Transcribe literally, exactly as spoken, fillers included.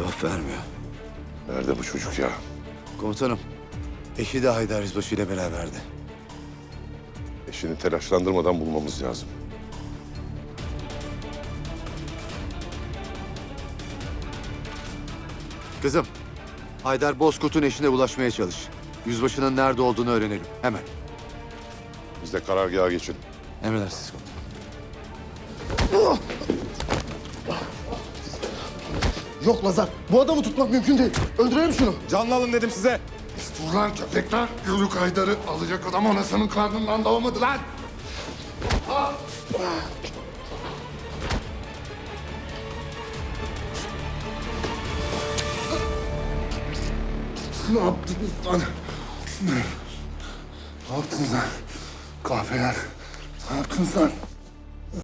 Cevap vermiyor. Nerede bu çocuk ya? Komutanım, eşi de Haydar Yüzbaşı ile beraberdi. Eşini telaşlandırmadan bulmamız lazım. Kızım, Haydar Bozkurt'un eşine ulaşmaya çalış. Yüzbaşının nerede olduğunu öğrenelim. Hemen. Biz de karargaha geçin. Emredersiniz komutanım. Yok Lazar, bu adamı tutmak mümkün değil. Öldürelim şunu. Canlı alın dedim size. Ulan köpekler, Yörük Haydar'ı alacak adam anasının karnından doğmadı lan. Ne yaptınız lan? Ne yaptınız lan? Kahpeler, ne yaptınız lan?